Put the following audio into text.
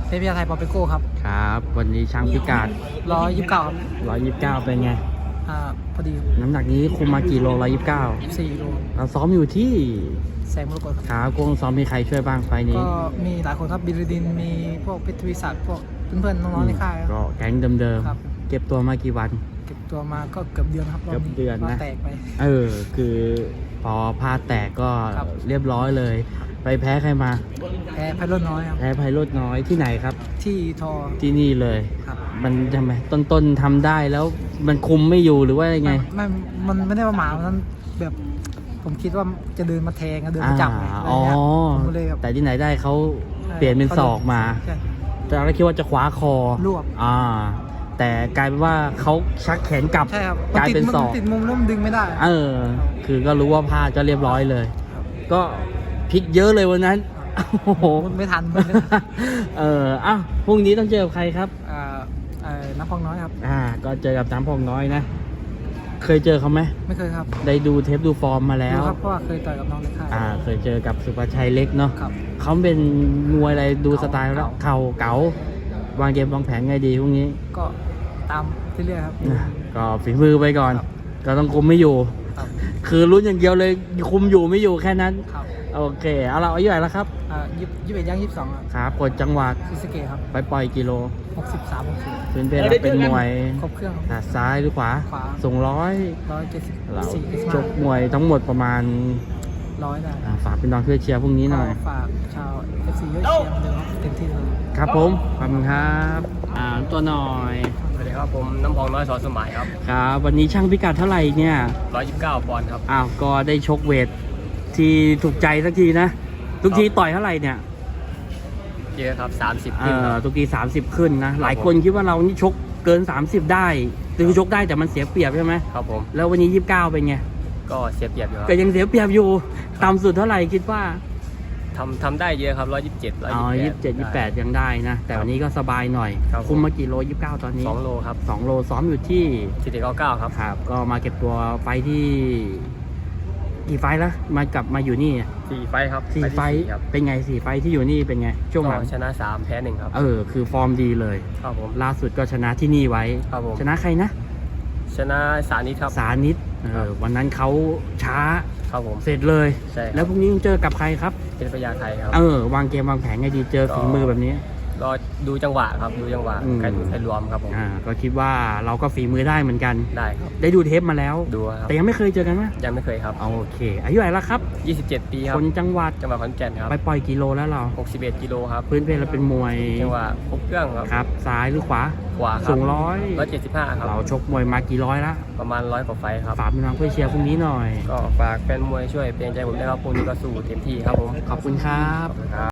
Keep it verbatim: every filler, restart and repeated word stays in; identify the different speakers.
Speaker 1: เทพยาไทยปอเปโก้ครับ
Speaker 2: ครับวันนี้ช่างพิกัด
Speaker 1: ร้อยยี่สิบเก้าครับ
Speaker 2: ร้อยยี่สิบเก้าเป็นไง
Speaker 1: อ่าพอดี
Speaker 2: น้ำหนักนี้คุมมากี่โลร้อยยี่สิบเก้า
Speaker 1: สี่โล
Speaker 2: เราซ้อมอยู่ที่
Speaker 1: แสงมรกตครับ
Speaker 2: ขากงซ้อมมีใครช่วยบ้างไฟนี้
Speaker 1: ก็มีหลายคนครับบิลดินมีพวกเพชรวิศักดิ์พวกเพื่อนๆน้องๆในค่าย
Speaker 2: ก็แก๊งเดิมๆเก็บตัวมากี่วัน
Speaker 1: เก็บตัวมาก็เกือบเดือนครับ
Speaker 2: เกือบเดือนนะ
Speaker 1: แตกไป
Speaker 2: เออคือพอพาแตกก็เรียบร้อยเลยไปแพ้ใครมา
Speaker 1: แพ้ไพโรจน์น้อยครับ
Speaker 2: แพ้ไพโรจน์น้อยที่ไหนครับ
Speaker 1: ที่ทอ
Speaker 2: ที่นี่เลยมันทำไมต้นๆทำได้แล้วมันคุมไม่อยู่หรือว่ายังไง
Speaker 1: ไม่มันไม่ได้ประมาทนั้นแบบผมคิดว่าจะเดินมาแทงเดินมาจับ
Speaker 2: อ๋อแต่ที่ไหนได้เขาเปลี่ยนเป็นศอกมาแต่เราคิดว่าจะคว้าคอ
Speaker 1: รวบ
Speaker 2: อ่าแต่กลายเป็นว่าเขาชักแขนกลับกลายเป็นศอก
Speaker 1: ติดมุมล้มดึงไม่ได้
Speaker 2: เออคือก็รู้ว่าพลาดก็เรียบร้อยเลยก็พลิกเยอะเลยวันนั้นโอ้โห
Speaker 1: ไม่ทัน
Speaker 2: เอออ้าวพรุ่งนี้ต้องเจอกับใครครับ
Speaker 1: อ่าเอ่อน้ำพองน้อยครับ
Speaker 2: อ่าก็เจอกับน้ำพองน้อยนะเคยเจอเขาไหม
Speaker 1: ไม่เคยครับ
Speaker 2: ได้ดูเทปดูฟอร์มมาแล้ว
Speaker 1: ครับเพราะว่าเคยต่อยกับน้องในค่าย
Speaker 2: อ่าเคยเจอกับสุภชัยเล็กเนาะเขาเป็นมวยอะไรดูสไตล์แล้วเข่าเก๋าวางเกมวางแผนไงดีพรุ่งนี้
Speaker 1: ก็ตามเรื่อยๆครับ
Speaker 2: ก็ฝีมือไปก่อนก็ต้องคุมไม่อยู่คือลุ้นอย่างเดียวเลยคุมอยู่ไม่อยู่แค่นั้นโอเคเอาเราอายุเท่าไหร่แล้วครับ
Speaker 1: อ่ายี่สิบเอ็ดย่างยี่สิบสองครับ
Speaker 2: ครับกดจังหวัด
Speaker 1: ศรีสะเกษครับ
Speaker 2: ไปปล่อยกิโล
Speaker 1: หกสิบสามหกสิบ
Speaker 2: เป็นเป็นเป็นมวย
Speaker 1: ครบเครื่อง
Speaker 2: ขาซ้ายหรือขวา
Speaker 1: ขวา
Speaker 2: ส่งร้อย
Speaker 1: ร้อยเจ็ดสิบ
Speaker 2: สี่จบมวยทั้งหมดประมาณ
Speaker 1: ร้อยได้
Speaker 2: ฝากเป็นน้องเพื่อเชียร์พรุ่งนี้หน่อย
Speaker 1: ฝากชาวเอฟซีเยอะเชียร์เดิมเต็มที่เลย
Speaker 2: ครับผมขอบคุณครับอ่าตัวหน่อย
Speaker 3: สวัสดีครับผมน้ำพองน้อยสอนสมัยครับ
Speaker 2: ครับวันนี้ช่างพิกัดเท่าไหร่เนี่ย
Speaker 3: ร้อยยี่สิบเก้าปอนด์ครับ
Speaker 2: อ้าวก็ได้ชกเวทที่ถูกใจสักทีนะทุกทีต่อยเท่าไหร่เนี่ย
Speaker 3: เยอะครับสามสิบ
Speaker 2: เออทุกทีสามสิบขึ้นนะหลายคนคิดว่าเรานี่ชกเกินสามสิบได้คือชกได้แต่มันเสียเปรียบใช่ไหม
Speaker 3: ครับผม
Speaker 2: แล้ววันนี้ยี่สิบเก้าเป็นไง
Speaker 3: ก็เสียเปรียบอยู่
Speaker 2: ก็ยังเสียเปรียบอยู่ต่ำสุดเท่าไหร่คิดว่า
Speaker 3: ทำทำได้เยอะครับร้อยยี่สิบเจ็ดร้อย
Speaker 2: ยี่สิบเจ็ดยี่สิบแปดยังได้นะแต่วันนี้ก็สบายหน่อยคุมมากี่โลยี่สิบเก้าตอนนี้
Speaker 3: สองโลครับ
Speaker 2: สองโลซ้อมอยู่ที่
Speaker 3: สี่สิบเก้าเก้าครับ
Speaker 2: ครับก็มาเก็บตัวไฟที่กี่ไฟแล้วมากลับมาอยู่นี่
Speaker 3: สี่ไฟครับ
Speaker 2: สี่ไฟเป็นไงสี่ไฟที่อยู่นี่เป็นไงช่วงหลัง
Speaker 3: ชนะสามแพ้หนึ่งครับ
Speaker 2: เออคือฟอร์มดีเลย
Speaker 3: ครับผม
Speaker 2: ล่าสุดก็ชนะที่นี่ไว้
Speaker 3: ครับผม
Speaker 2: ชนะใครนะ
Speaker 3: ชนะสานิทครับ
Speaker 2: สานิทเออวันนั้นเขาช้า
Speaker 3: ครับผม
Speaker 2: เสร็จเลย
Speaker 3: ใช่
Speaker 2: แล้วพรุ่งนี้เจอกับใครครับ
Speaker 3: เป็นพญาไทครับ
Speaker 2: เออวางเกมวางแผนไงดีเจอฝีมือแบบนี้
Speaker 3: รอดูจังหวะครับดูจังหวะการดูใครรวมครับผม
Speaker 2: อ่าก็คิดว่าเราก็ฝีมือได้เหมือนกัน
Speaker 3: ได้ครับ
Speaker 2: ได้ดูเทปมาแล้ว
Speaker 3: ดูครับ
Speaker 2: แต่ยังไม่เคยเจอกันไหม
Speaker 3: ยังไม่เคยครับ
Speaker 2: โอเคอายุเท่าไหร่แล้วครับ
Speaker 3: ยี่สิบเจ็ดปีครับ
Speaker 2: คนจังหวัด
Speaker 3: จังหวัดขอนแก่นครับ
Speaker 2: ไปปล่อยกิโลแล้วเรา
Speaker 3: หกสิบเอ็ดกิโลครับ
Speaker 2: พื้นเพเราเป็นมวย
Speaker 3: จังหวะครบเครื่องครับ
Speaker 2: ครับซ้ายหรือขวา
Speaker 3: ขวา
Speaker 2: สูงร้อย
Speaker 3: ร้อยเจ็ดสิบห้าครับ
Speaker 2: เราชกมวยมากี่ร้อยละ
Speaker 3: ประมาณร้อยกว่าไฟครับ
Speaker 2: ฝากพี่น้องเพื่อเชียร์พรุ่งนี้หน่อย
Speaker 3: ก็ฝากแฟนมวยช่วยเป็นใจผมด้วยครับพรุ่งนี้ก็สู้เต็มที่ครับผม
Speaker 2: ขอบคุณครับ